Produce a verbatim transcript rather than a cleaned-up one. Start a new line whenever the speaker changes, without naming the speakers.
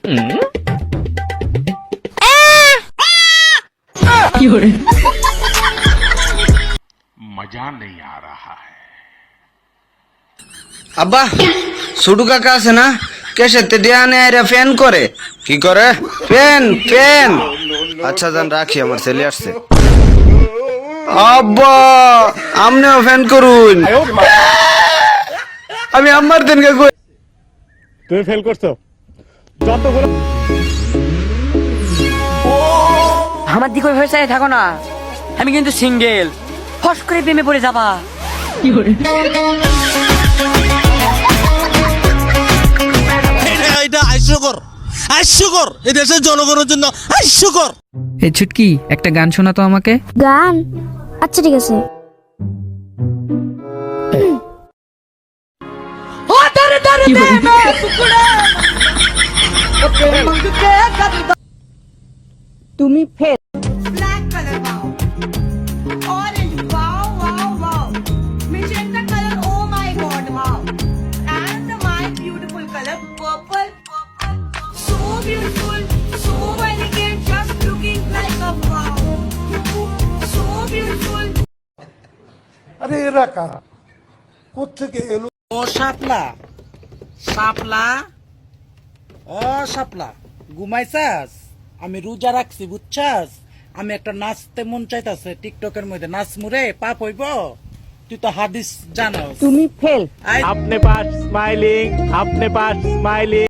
मजा नहीं आ रहा है।
আব্বা ছোটু কাকা আছে না কেসেতে দেয়ানে আইরা ফ্যান করে কি করে ফ্যান ফ্যান আচ্ছা জান রাখি আমার ছেলে আসছে আব্বা আমনেও ফ্যান করুন আমি আমার দিনকে কই
তুমি ফেল করছো যতগুলো
আমার দিকে ওই ভরসায় থাকো না, আমি কিন্তু সিঙ্গেল, ফস করে প্রেমে পড়ে যাবা।
এটা হাস্যকর, হাস্যকর এই দেশের জনগণের জন্য হাস্যকর।
এই ছুটকি একটা গান শোনা তো আমাকে।
গান? আচ্ছা ঠিক আছে।
তুমি fail.
Black color, wow. Orange, wow, wow, wow. Magenta color, oh my god, wow. And my beautiful color, purple, purple. So beautiful, so elegant, just looking like a wow. So beautiful.
আরে এরা কারা কোত্থেকে এলো?
ও শাপলা, শাপলা, ও শাপলা, ঘুমাইছাস? আমি রোজা রাখছি বুঝছাস? আমি একটা নাচতে মন চাইতাছে টিকটকের মধ্যে, নাচ মুরে পাপ হইব? তুই তো হাদিস জানোস।
তুমি ফেল।
আপনি পাস স্মাইলিং, আপনি পাস স্মাইলিং।